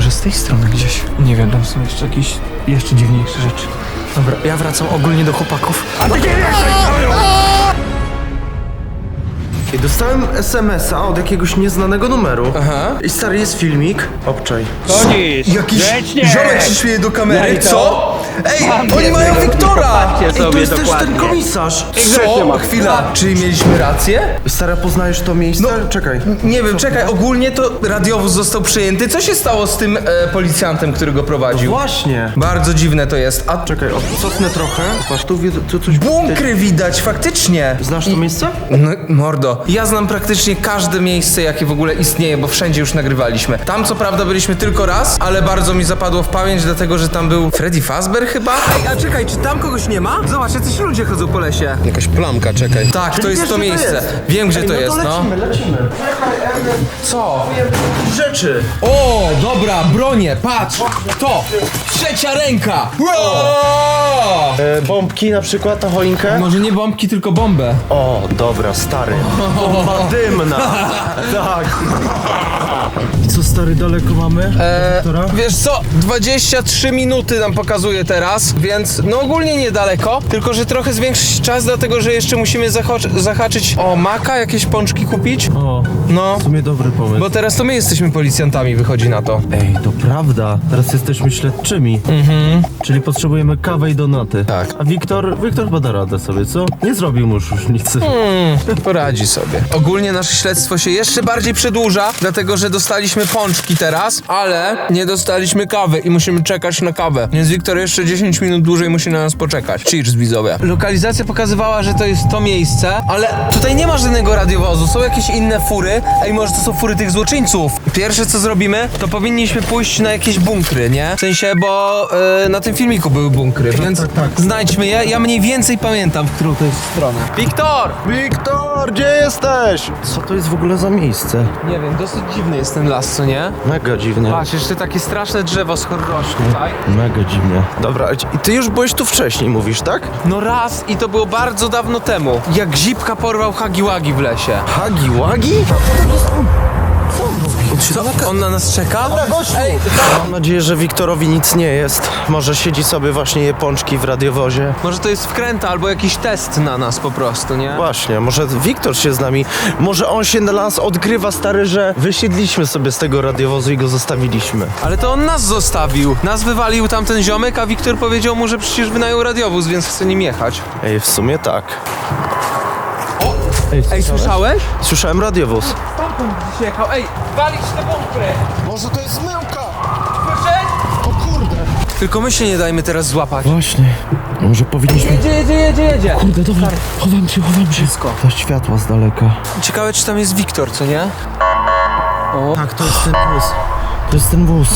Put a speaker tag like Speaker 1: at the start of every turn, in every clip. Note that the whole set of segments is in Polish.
Speaker 1: Może z tej strony gdzieś. Nie wiem, tam są jeszcze jakieś dziwniejsze rzeczy. Dobra, ja wracam ogólnie do chłopaków.
Speaker 2: A ty nie I dostałem SMS-a od jakiegoś nieznanego numeru.
Speaker 1: Aha.
Speaker 2: I stary, jest filmik. Obczaj.
Speaker 3: Chodzisz!
Speaker 2: Jakiś
Speaker 3: grzecznie.
Speaker 2: ziomek się śmieje do kamery.
Speaker 3: No i
Speaker 2: Co? Ej,
Speaker 3: Mam
Speaker 2: oni
Speaker 3: jednego,
Speaker 2: mają Wiktora!
Speaker 3: popatrzcie
Speaker 2: Ej, to
Speaker 3: sobie
Speaker 2: jest też
Speaker 3: dokładnie.
Speaker 2: ten komisarz.
Speaker 3: grzecznie
Speaker 2: Co?
Speaker 3: mam.
Speaker 2: Chwila. Czyli mieliśmy rację? Stara, poznajesz to miejsce? Czekaj.
Speaker 4: Nie wiem, czekaj, ogólnie to radiowóz został przejęty. Co się stało z tym policjantem, który go prowadził?
Speaker 2: Właśnie.
Speaker 4: Bardzo dziwne to jest. A
Speaker 2: Czekaj, cofnę trochę. Patrz, tu coś...
Speaker 4: bunkry widać, faktycznie.
Speaker 2: Znasz to miejsce?
Speaker 4: No, mordo, ja znam praktycznie każde miejsce, jakie w ogóle istnieje, bo wszędzie już nagrywaliśmy. Tam co prawda byliśmy tylko raz, ale bardzo mi zapadło w pamięć, dlatego że tam był Freddy Fazbear chyba. Ej, a czekaj, czy tam kogoś nie ma? Zobacz, jacyś ludzie chodzą po lesie.
Speaker 5: Jakaś plamka, czekaj.
Speaker 4: Tak,
Speaker 2: Czyli
Speaker 4: to jest
Speaker 2: wiesz,
Speaker 4: to
Speaker 2: gdzie to
Speaker 4: miejsce.
Speaker 2: jest?
Speaker 4: Wiem, gdzie to
Speaker 2: Ej,
Speaker 4: jest, no.
Speaker 2: lecimy.
Speaker 4: Co?
Speaker 2: Rzeczy.
Speaker 4: O, dobra, bronię, patrz! To! Trzecia ręka! Wow!
Speaker 2: Bombki na przykład na choinkę?
Speaker 4: Może nie bombki, tylko bombę.
Speaker 2: O, dobra, stary. Bomba dymna. Tak. I co, stary, daleko mamy?
Speaker 4: Wiesz co, 23 minuty nam pokazuje teraz, więc no ogólnie niedaleko, tylko że trochę zwiększyć czas, dlatego że jeszcze musimy zahaczyć o maka, jakieś pączki kupić.
Speaker 2: O,
Speaker 4: No,
Speaker 2: w sumie dobry pomysł.
Speaker 4: bo teraz to my jesteśmy policjantami, wychodzi na to.
Speaker 2: Ej, to prawda. Teraz jesteśmy śledczymi. Czyli potrzebujemy kawę i donaty.
Speaker 4: Tak.
Speaker 2: A Wiktor chyba da radę sobie, co? Nie zrobił mu już nic.
Speaker 4: Poradzi sobie. Ogólnie nasze śledztwo się jeszcze bardziej przedłuża, dlatego że dostaliśmy pączki teraz, ale nie dostaliśmy kawy i musimy czekać na kawę. Więc Wiktor jeszcze 10 minut dłużej musi na nas poczekać. Cheers, widzowie. Lokalizacja pokazywała, że to jest to miejsce, ale tutaj nie ma żadnego radiowozu, są jakieś inne fury. Ej, może to są fury tych złoczyńców. Pierwsze co zrobimy, to powinniśmy pójść na jakieś bunkry, nie? W sensie, bo na tym filmiku były bunkry, więc znajdźmy je. Ja mniej więcej pamiętam, w którą to jest stronę. Wiktor!
Speaker 2: Wiktor, gdzie jesteś? Co to jest w ogóle za miejsce?
Speaker 4: Nie wiem, dosyć dziwny jest ten las, co nie?
Speaker 2: Mega dziwnie.
Speaker 4: Patrz, jeszcze takie straszne drzewo z rośnie tutaj.
Speaker 2: Mega dziwnie. Dobra, i ty już byłeś tu wcześniej, mówisz, tak?
Speaker 4: No raz i to było bardzo dawno temu. Jak Zipka porwał Hagi-Wagi w lesie.
Speaker 2: Hagi-Wagi?
Speaker 4: Co? On na nas czeka? Ej,
Speaker 2: Mam nadzieję, że Wiktorowi nic nie jest. Może siedzi sobie właśnie je pączki w radiowozie.
Speaker 4: może to jest wkręta albo jakiś test na nas po prostu, nie?
Speaker 2: Właśnie, może Wiktor się z nami, może on się na nas odgrywa, stary, że wysiedliśmy sobie z tego radiowozu i go zostawiliśmy.
Speaker 4: Ale to on nas zostawił. Nas wywalił tamten ziomek, a Wiktor powiedział mu, że przecież wynajął radiowóz, więc chce nim jechać.
Speaker 2: Ej, w sumie tak.
Speaker 4: Ej, słyszałeś?
Speaker 2: Słyszałem radiowóz.
Speaker 4: Stamtąd gdzieś jechał. Ej, walić te bunkry!
Speaker 5: Może to jest zmyłka!
Speaker 4: Słyszeć?
Speaker 5: O kurde!
Speaker 4: Tylko my się nie dajmy teraz złapać.
Speaker 2: Właśnie. Może powinniśmy...
Speaker 4: Jedzie.
Speaker 2: Kurde, dobra, chowam się.
Speaker 4: Wszystko.
Speaker 2: To światła z daleka.
Speaker 4: Ciekawe, czy tam jest Wiktor, co nie? O.
Speaker 2: Tak, to jest ten wóz. To jest ten wóz.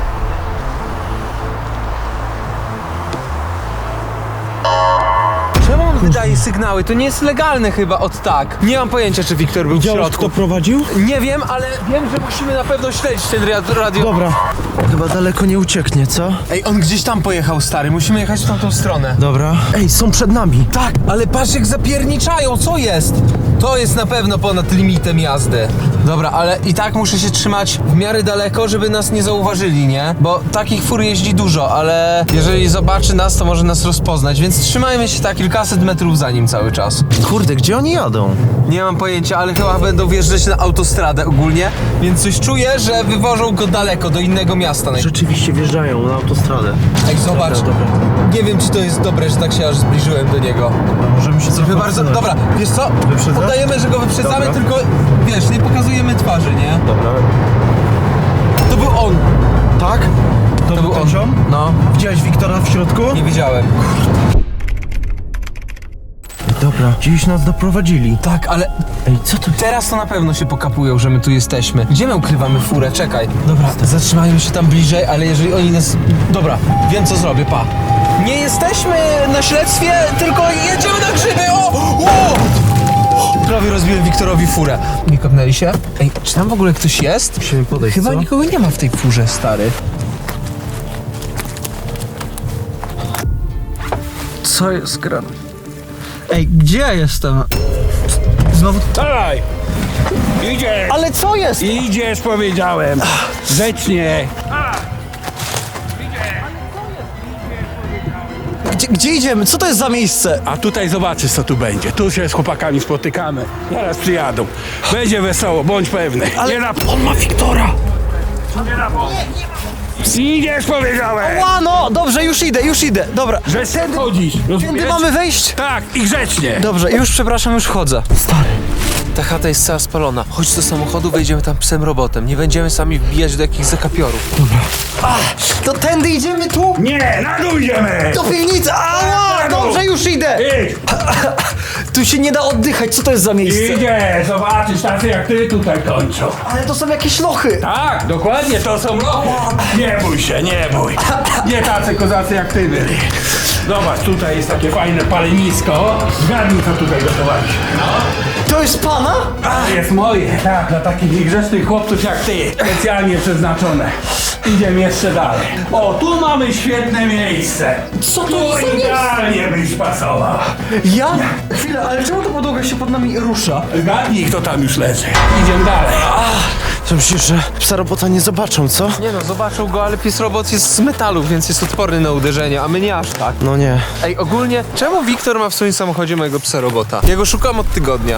Speaker 4: Czemu on wydaje sygnały? To nie jest legalne chyba od tak. Nie mam pojęcia, czy Wiktor był w środku.
Speaker 2: prowadził?
Speaker 4: Nie wiem, ale wiem, że musimy na pewno śledzić ten radio.
Speaker 2: Dobra. Chyba daleko nie ucieknie, co?
Speaker 4: Ej, on gdzieś tam pojechał, stary. Musimy jechać w tamtą stronę.
Speaker 2: Dobra. Ej, są przed nami.
Speaker 4: Tak, ale patrz jak zapierniczają, co jest? To jest na pewno ponad limitem jazdy. Dobra, ale i tak muszę się trzymać w miarę daleko, żeby nas nie zauważyli, nie? Bo takich fur jeździ dużo, ale jeżeli zobaczy nas, to może nas rozpoznać, więc trzymajmy się tak kilkaset metrów za nim cały czas.
Speaker 2: Kurde, gdzie oni jadą?
Speaker 4: Nie mam pojęcia, ale chyba będą wjeżdżać na autostradę ogólnie, więc coś czuję, że wywożą go daleko, do innego miasta.
Speaker 2: Rzeczywiście wjeżdżają na autostradę.
Speaker 4: Ej, zobacz.
Speaker 2: Dobra.
Speaker 4: Nie wiem, czy to jest dobre, że tak się aż zbliżyłem do niego.
Speaker 2: Możemy się
Speaker 4: Trochę bardzo... Dobra, wiesz co?
Speaker 2: Wyprzedzasz?
Speaker 4: Udajemy, że go wyprzedzamy,
Speaker 2: Dobra.
Speaker 4: tylko wiesz, nie pokazujemy twarzy, nie?
Speaker 2: Dobra.
Speaker 4: To był on.
Speaker 2: Tak? To
Speaker 4: był on.
Speaker 2: ziom?
Speaker 4: No,
Speaker 2: Widziałeś Wiktora w środku?
Speaker 4: nie widziałem.
Speaker 2: Dobra, gdzieś nas doprowadzili.
Speaker 4: Tak, ale
Speaker 2: Ej, co to?
Speaker 4: teraz to na pewno się pokapują, że my tu jesteśmy. Gdzie my ukrywamy furę? Czekaj. Dobra, zatrzymajmy się tam bliżej, ale jeżeli oni nas... Dobra, wiem co zrobię, pa. Nie jesteśmy na śledztwie, tylko jedziemy na grzyby, o! Prawie rozbiłem Wiktorowi furę. Nie kopnęli się? Ej, czy tam w ogóle ktoś jest?
Speaker 2: Musimy podejść,
Speaker 4: Chyba
Speaker 2: co?
Speaker 4: nikogo nie ma w tej furze, stary.
Speaker 1: Co jest grane? Ej, gdzie ja jestem? Znowu...
Speaker 3: Dawaj! Idziesz!
Speaker 1: Ale co jest?
Speaker 3: Idziesz, powiedziałem! Grzecznie! Gdzie idziemy? Co to jest za miejsce?
Speaker 6: A tutaj zobaczysz, co tu będzie. Tu się z chłopakami spotykamy. Zaraz przyjadą. Będzie wesoło, bądź pewny.
Speaker 3: Ale
Speaker 6: Nie na...
Speaker 3: on ma Wiktora!
Speaker 6: Nie na... Idziesz, powiedziałem!
Speaker 3: No, dobrze, już idę, dobra.
Speaker 6: Że sen chodzisz, rozumiesz?
Speaker 3: Tędy mamy wejść?
Speaker 6: Tak, i grzecznie.
Speaker 3: Dobrze, już przepraszam, już wchodzę. Stary.
Speaker 4: Ta chata jest cała spalona. Chodź do samochodu, wejdziemy tam psem robotem. Nie będziemy sami wbijać do jakichś zakapiorów.
Speaker 3: To tędy idziemy tu?
Speaker 6: Nie, na dół idziemy!
Speaker 3: Do piwnicy! Ała! Dobrze, już idę!
Speaker 6: Idź!
Speaker 3: Tu się nie da oddychać, co to jest za miejsce?
Speaker 6: Idzie, zobaczysz, tacy jak ty tutaj kończą.
Speaker 3: Ale to są jakieś lochy!
Speaker 6: Tak, dokładnie, to są lochy. Nie bój się, nie bój. Nie tacy kozacy jak ty byli. Zobacz, tutaj jest takie fajne palenisko. Zgadnij, co tutaj gotowaliśmy.
Speaker 3: To jest pana?
Speaker 6: To jest moje, tak, dla takich niegrzecznych chłopców jak ty. Specjalnie przeznaczone. Idziemy jeszcze dalej. O, tu mamy świetne miejsce.
Speaker 3: Co to
Speaker 6: Tu
Speaker 3: jest za miejsce?
Speaker 6: idealnie byś pasował.
Speaker 3: Ja? Chwilę, ale czemu ta podłoga się pod nami rusza?
Speaker 6: Zgadnij, kto tam już leży. Idziemy dalej.
Speaker 2: To myślisz, że psa robota nie zobaczą, co?
Speaker 4: Nie no, zobaczył go, ale pies robot jest z metalu, więc jest odporny na uderzenie, a my nie aż tak.
Speaker 2: No nie.
Speaker 4: Ej, ogólnie, czemu Wiktor ma w swoim samochodzie mojego psa robota? Ja go szukam od tygodnia.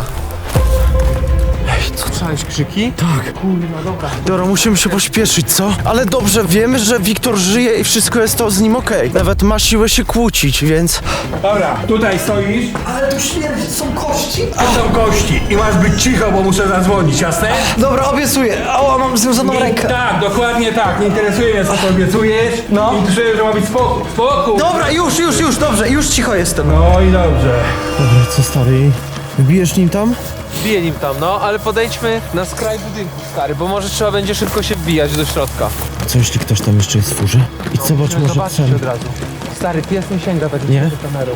Speaker 4: Ej, co, słyszałeś krzyki?
Speaker 2: Dobra, musimy się pośpieszyć, co? Ale dobrze, wiemy, że Wiktor żyje i wszystko jest to z nim okej. Nawet ma siłę się kłócić, więc...
Speaker 6: Dobra, tutaj stoisz.
Speaker 3: Ale tu śmierdzi, są kości?
Speaker 6: Tu są kości i masz być cicho, bo muszę zadzwonić, jasne?
Speaker 3: Dobra, obiecuję. Ała, mam związaną rękę.
Speaker 6: Tak, dokładnie tak. Nie interesuje mnie, co to obiecujesz.
Speaker 3: No.
Speaker 6: Interesuje, że ma być spokój. Spokój.
Speaker 3: Dobra, już, dobrze, już cicho jestem.
Speaker 6: No i dobrze.
Speaker 2: Dobra, co stary? Wbijesz nim tam?
Speaker 4: Wbiję nim tam, no, ale podejdźmy na skraj budynku, stary, bo może trzeba będzie szybko się wbijać do środka.
Speaker 2: A co jeśli ktoś tam jeszcze jest w furze? I zobacz,
Speaker 4: Musimy
Speaker 2: może
Speaker 4: zobaczyć
Speaker 2: psem.
Speaker 4: od razu. Stary, pies nie sięga tak
Speaker 2: Nie?
Speaker 4: do kamerą.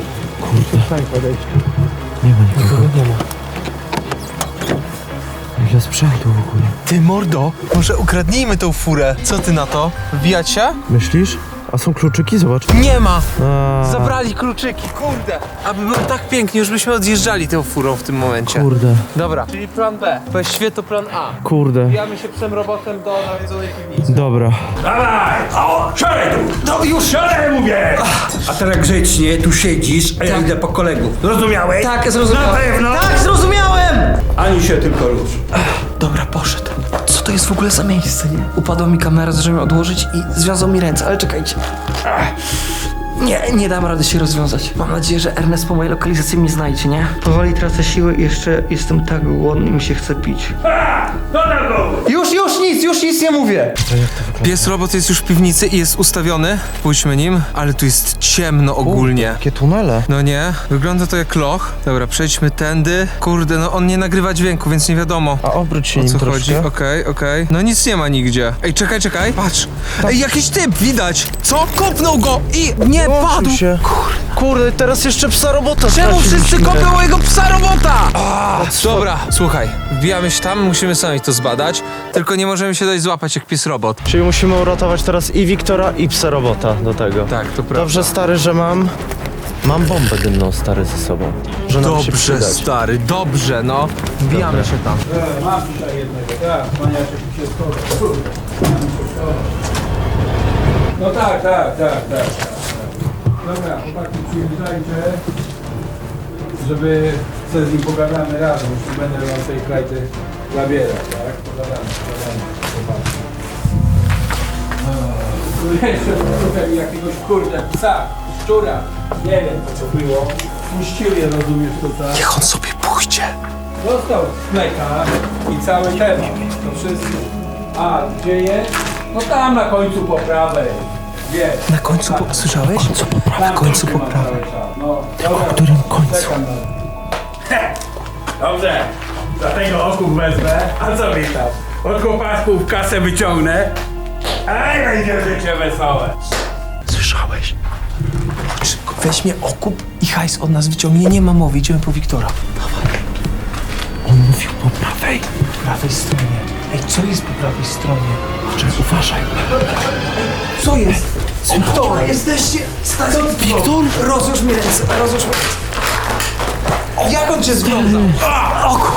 Speaker 2: Nie ma nikogo. Nie ma. Ile sprzętu w ogóle?
Speaker 4: Ty, mordo, może ukradnijmy tą furę. Co ty na to? Wbijać się?
Speaker 2: Myślisz? A są kluczyki? Zobacz.
Speaker 4: Nie ma!
Speaker 2: A,
Speaker 4: Zabrali kluczyki, kurde! Aby było tak pięknie, już byśmy odjeżdżali tą furą w tym momencie.
Speaker 2: kurde,
Speaker 4: Dobra, czyli plan B. Właściwie to plan A.
Speaker 2: kurde.
Speaker 4: Wbijamy się psem robotem do nawiedzonej piwnicy.
Speaker 2: Dobra.
Speaker 6: Dawaj! O, siadaj tu!
Speaker 3: No już.
Speaker 6: Siadaj, mówię! A teraz grzecznie tu siedzisz, a ja idę po kolegów. Zrozumiałeś?
Speaker 3: Tak, zrozumiałem.
Speaker 6: Na pewno?
Speaker 3: Tak, zrozumiałem!
Speaker 6: Ani się tylko rusz.
Speaker 3: Dobra, poszedł. Co to jest w ogóle za miejsce, nie? Upadła mi kamera, zacząłem ją odłożyć i związał mi ręce, ale czekajcie. Nie dam rady się rozwiązać. Mam nadzieję, że Ernest po mojej lokalizacji mnie znajdzie, nie? Powoli tracę siły i jeszcze jestem tak głodny i mi się chce pić.
Speaker 6: Co tam go?
Speaker 3: Już nic nie mówię!
Speaker 4: Pies robot jest już w piwnicy i jest ustawiony. Pójdźmy nim, ale tu jest ciemno ogólnie.
Speaker 2: Jakie tunele?
Speaker 4: No nie, wygląda to jak loch. Dobra, przejdźmy tędy. Kurde, no on nie nagrywa dźwięku, więc nie wiadomo.
Speaker 2: A obróć się
Speaker 4: O
Speaker 2: nim
Speaker 4: co
Speaker 2: troszkę.
Speaker 4: chodzi? Okej. No nic nie ma nigdzie. Ej, czekaj, patrz. Ej, jakiś typ, widać. Co? Kopnął go i nie padł.
Speaker 2: Odsuń się. Kurde, teraz jeszcze psa robota
Speaker 4: Czemu wszyscy
Speaker 2: straciliśmy.
Speaker 4: kopią mojego psa robota? Dobra, słuchaj, wbijamy się tam, musimy sami to zbadać, tylko nie możemy się dać złapać jak pies robot.
Speaker 2: Czyli musimy uratować teraz i Wiktora, i psa robota do tego.
Speaker 4: Tak, to prawda.
Speaker 2: Dobrze, stary, że mam bombę dymną, stary, ze sobą. Że nam się
Speaker 4: Dobrze,
Speaker 2: przydać.
Speaker 4: stary, dobrze, no. Wbijamy się tam.
Speaker 6: Mam tutaj jednego, tak. Maniaczek się schował. No tak. Dobra, chłopaki, przyjeżdżajcie, żeby sobie z nim pogadamy razem, już nie będę wam tej krajty zabierać, tak? Pogadamy. Chłopaki. Tu jeszcze szukam jakiegoś kurde psa, szczura, nie wiem co to było. Puścili, rozumiesz tutaj.
Speaker 3: Niech on sobie pójdzie.
Speaker 6: Dostał smeka i cały temat. To wszystko. A gdzie jest? No tam na końcu po prawej. Jest.
Speaker 3: Na końcu, słyszałeś?
Speaker 6: Na
Speaker 3: końcu po prawej.
Speaker 6: No, dobra.
Speaker 3: W którym końcu?
Speaker 6: Czekam na... Dobrze. Dlatego okup wezmę. A co mi tam? Od chłopaków kasę wyciągnę. Aj, będzie życie wesołe.
Speaker 3: Słyszałeś? Chodź szybko, weźmie okup i hajs od nas wyciągnie. Nie ma mowy, idziemy po Wiktora. Dawaj. On mówił po prawej. Po prawej stronie. Ej, co jest po prawej stronie? Czekaj, uważaj. Co jest? Wiktor, jesteście... Wiktor? Rozłóż mi ręce, rozłóż mi ręce. Jak on cię związał? Oku!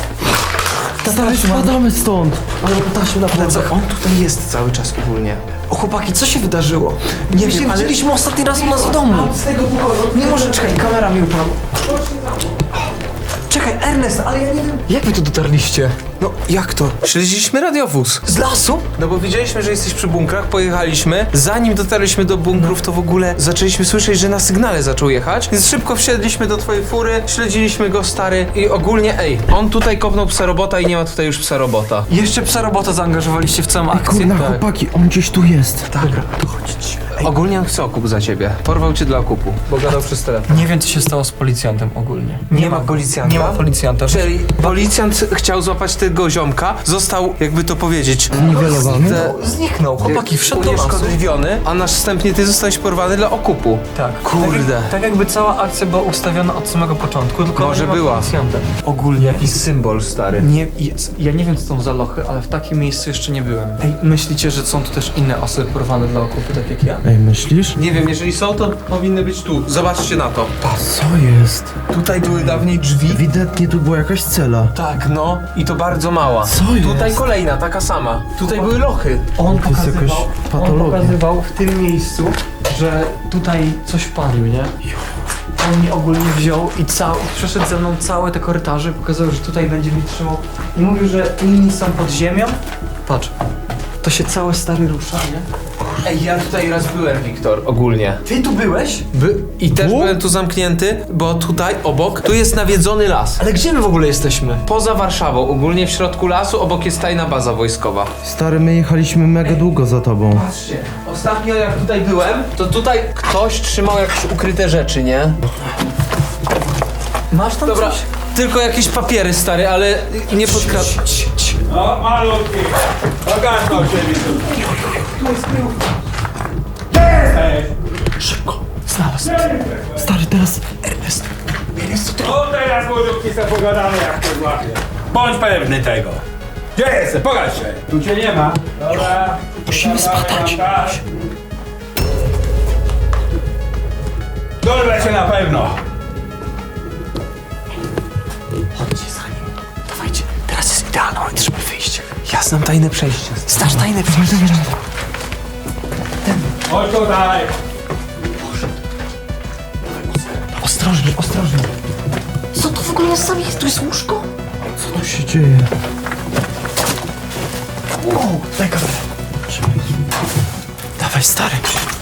Speaker 3: Stary, spadamy stąd. Ale tasiu na plecach. On tutaj jest cały czas ogólnie.
Speaker 1: Chłopaki, co się wydarzyło? Nie wiem, ale...
Speaker 3: Widzieliśmy ostatni raz u nas w domu.
Speaker 1: Z tego pokoju.
Speaker 3: Nie może, czekaj, kamera mi upadła. Czekaj, Ernest, ale ja nie wiem...
Speaker 1: Jak wy tu dotarliście?
Speaker 3: No, jak to?
Speaker 4: Śledziliśmy radiowóz.
Speaker 3: Z lasu?
Speaker 4: No bo widzieliśmy, że jesteś przy bunkrach, pojechaliśmy. Zanim dotarliśmy do bunkrów, to w ogóle zaczęliśmy słyszeć, że na sygnale zaczął jechać. Więc szybko wsiedliśmy do twojej fury, śledziliśmy go, stary. I ogólnie, on tutaj kopnął psa robota i nie ma tutaj już psa robota.
Speaker 1: Jeszcze psa robota zaangażowaliście w całą akcję.
Speaker 2: Kurna,
Speaker 4: tak.
Speaker 2: chłopaki, on gdzieś tu jest.
Speaker 1: Dobra, to chodźcie.
Speaker 4: Ogólnie on chce okup za ciebie. Porwał cię dla okupu, bo gadał przez telefon.
Speaker 1: Nie wiem, co się stało z policjantem ogólnie.
Speaker 4: Nie ma policjanta?
Speaker 1: Nie ma policjanta.
Speaker 4: Czyli policjant chciał złapać tego ziomka, został, jakby to powiedzieć,
Speaker 2: Niwelowany?
Speaker 1: Zniknął. Chłopaki, wszedł do lasu.
Speaker 4: unieszkodliwiony, a następnie ty zostałeś porwany dla okupu.
Speaker 1: Tak.
Speaker 4: Kurde.
Speaker 1: Tak jakby cała akcja była ustawiona od samego początku, tylko
Speaker 4: Może
Speaker 1: nie ma
Speaker 4: była.
Speaker 1: policjanta. Ogólnie
Speaker 4: Jakiś symbol, stary.
Speaker 1: nie, ja nie wiem, co są za lochy, ale w takim miejscu jeszcze nie byłem. Ej, myślicie, że są tu też inne osoby porwane dla okupy, tak jak ja?
Speaker 2: Ej, myślisz?
Speaker 4: Nie wiem, jeżeli są, to powinny być tu. Zobaczcie na to.
Speaker 2: Co jest?
Speaker 4: Tutaj były dawniej drzwi.
Speaker 2: Ewidentnie tu była jakaś cela.
Speaker 4: Tak, no. I to bardzo mała.
Speaker 2: Co jest?
Speaker 4: Tutaj kolejna, taka sama. Tutaj były lochy.
Speaker 1: On
Speaker 2: jest jakaś patologia.
Speaker 1: on pokazywał w tym miejscu, że tutaj coś palił, nie? On mnie ogólnie wziął i przeszedł ze mną całe te korytarze, pokazał, że tutaj będzie mi trzymał i mówił, że inni są pod ziemią. Patrz, to się całe stary rusza, nie?
Speaker 4: Ej, ja tutaj raz byłem, Wiktor, ogólnie.
Speaker 1: Ty tu byłeś?
Speaker 4: I też byłem tu zamknięty, bo tutaj obok, tu jest nawiedzony las.
Speaker 1: Ale gdzie my w ogóle jesteśmy?
Speaker 4: Poza Warszawą, ogólnie w środku lasu, obok jest tajna baza wojskowa.
Speaker 2: Stary, my jechaliśmy mega długo za tobą.
Speaker 4: Patrzcie, ostatnio jak tutaj byłem, to tutaj ktoś trzymał jakieś ukryte rzeczy, nie?
Speaker 1: Masz tam
Speaker 4: Dobra,
Speaker 1: coś?
Speaker 4: tylko jakieś papiery, stary, ale nie podkradł.
Speaker 6: No, malutki. Ogarnął się mi tu.
Speaker 1: Tu jest kryjówka.
Speaker 6: Gdzie jesteś?
Speaker 1: Znalazł.
Speaker 2: Stary, teraz...
Speaker 6: O, teraz młodówki se pogadamy, jak to złapie. Bądź pewny tego. Gdzie jesteś? Pokaż się. Tu cię nie ma. Dobra. Musimy spadać. Dorwę się na pewno.
Speaker 1: Chodźcie za nim. Dawajcie, teraz jest idealny moment, żeby wyjść.
Speaker 4: Ja znam tajne przejście.
Speaker 1: Znasz tajne przejście.
Speaker 6: Chodź tutaj.
Speaker 1: Ostrożnie, ostrożnie.
Speaker 7: Co to w ogóle jest za miejsce? Tu jest łóżko?
Speaker 2: Co tu się dzieje?
Speaker 1: Wow, daj kamerę. Dawaj, stary.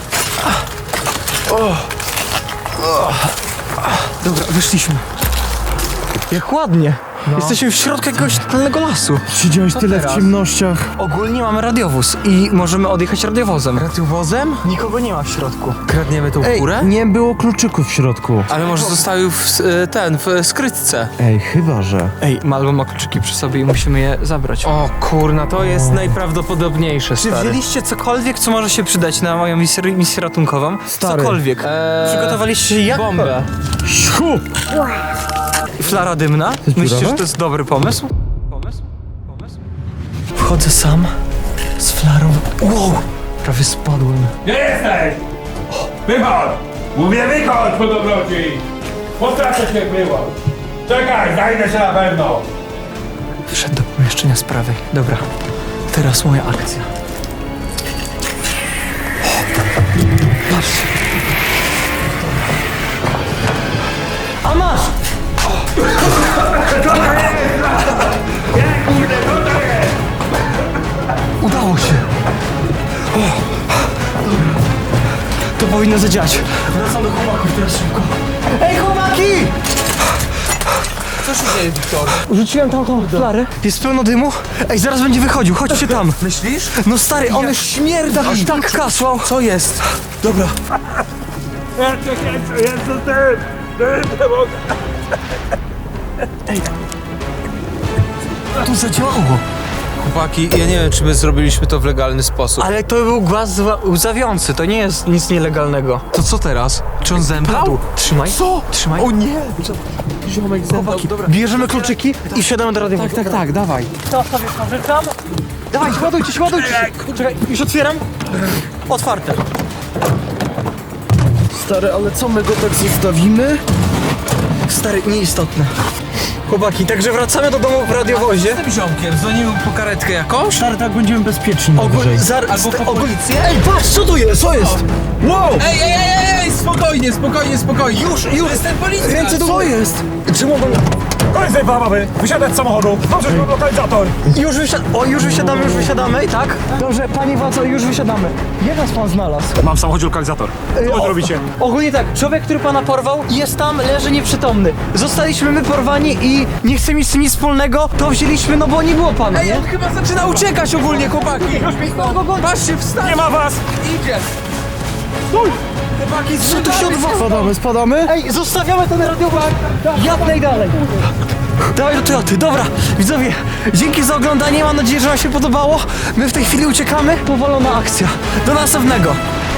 Speaker 1: Dobra, wyszliśmy. Jak ładnie. Jesteśmy w środku jakiegoś totalnego lasu.
Speaker 2: Siedziałeś tyle
Speaker 1: teraz?
Speaker 2: w ciemnościach.
Speaker 1: Ogólnie mamy radiowóz i możemy odjechać radiowozem.
Speaker 2: Radiowozem?
Speaker 1: Nikogo nie ma w środku.
Speaker 4: Kradniemy tą
Speaker 2: Ej,
Speaker 4: furę?
Speaker 2: nie było kluczyków w środku.
Speaker 4: Ale może zostały w skrytce.
Speaker 2: Ej, chyba że.
Speaker 1: Ej, Malwo ma kluczyki przy sobie i musimy je zabrać.
Speaker 4: O kurna, to jest najprawdopodobniejsze,
Speaker 1: Czy
Speaker 4: stary.
Speaker 1: wzięliście cokolwiek, co może się przydać na moją misję ratunkową?
Speaker 2: Stary.
Speaker 1: Cokolwiek. Przygotowaliście się jak?
Speaker 4: Bombę.
Speaker 2: Siu!
Speaker 1: Flara dymna? Myślicie,
Speaker 2: dziurawe?
Speaker 1: że to jest dobry pomysł? Wchodzę sam z flarą. Wow! Prawie spadłem.
Speaker 6: Gdzie jesteś? Wychodź! Mówię wychodź po dobroci! Postraszę się było! Czekaj, znajdę się na pewno!
Speaker 1: Wszedł do pomieszczenia z prawej. Dobra, teraz moja akcja. Patrzcie. A masz! Udało się! To powinno zadziałać. Wracamy do chłopaków teraz szybko. Ej, chłopaki!
Speaker 4: Co się dzieje, Wiktor?
Speaker 1: Rzuciłem tam tą flarę. Jest pełno dymu. Ej, zaraz będzie wychodził, chodźcie tam.
Speaker 4: Myślisz?
Speaker 1: No stary, on już śmierdzi. Aż tak kasłał.
Speaker 4: Co jest?
Speaker 1: Dobra.
Speaker 6: Jezu, ty mogę!
Speaker 1: To zadziałało.
Speaker 4: Chłopaki, ja nie wiem, czy my zrobiliśmy to w legalny sposób.
Speaker 1: Ale to był głaz łzawiący, to nie jest nic nielegalnego.
Speaker 4: To co teraz? Czy on zemdlał?
Speaker 1: Trzymaj. Co? Trzymaj. O nie!
Speaker 4: Ziomek zemdlał. Dobra.
Speaker 1: Bierzemy kluczyki i wsiadamy do radiowozu.
Speaker 4: Tak, dawaj.
Speaker 1: To sobie pożyczam. Dawaj, ładujcie się. Czekaj, już otwieram. Otwarte.
Speaker 2: Stary, ale co, my go tak zostawimy?
Speaker 1: Stary, nieistotne. Chłopaki, także wracamy do domu w radiowozie.
Speaker 4: Z tym ziomkiem dzwonimy po karetkę jakąś?
Speaker 2: Stary, tak będziemy bezpieczni najwyżej.
Speaker 4: Albo po policję?
Speaker 2: Ej, patrz, co tu jest? Co jest? Wow!
Speaker 4: Ej, spokojnie, spokojnie. Już. To jest ten policjant.
Speaker 2: Ręce do góry. Co jest? Czy mogą...
Speaker 8: Koniec tej baby! Wysiadać z samochodu! Dobrze, mam lokalizator!
Speaker 1: Już wysiadamy, tak? Dobrze, panie władzo, już wysiadamy. Jak nas pan znalazł?
Speaker 8: Mam w samochodzie lokalizator. Co wy robicie?
Speaker 1: Ogólnie tak, człowiek, który pana porwał, jest tam, leży nieprzytomny. Zostaliśmy my porwani i nie chce mieć z tym nic wspólnego, to wzięliśmy, no bo nie było pana,
Speaker 4: Ej,
Speaker 1: nie?
Speaker 4: on chyba zaczyna uciekać ogólnie, chłopaki. Patrzcie, wstać.
Speaker 8: Nie ma was!
Speaker 4: Idzie. Chłopaki,
Speaker 1: Co tu się odwala?
Speaker 2: Spadamy?
Speaker 1: Ej, zostawiamy ten radiowóz jak najdalej. Dawaj do Toyoty, dobra, widzowie, dzięki za oglądanie, mam nadzieję, że wam się podobało. My w tej chwili uciekamy, powolona akcja. Do następnego.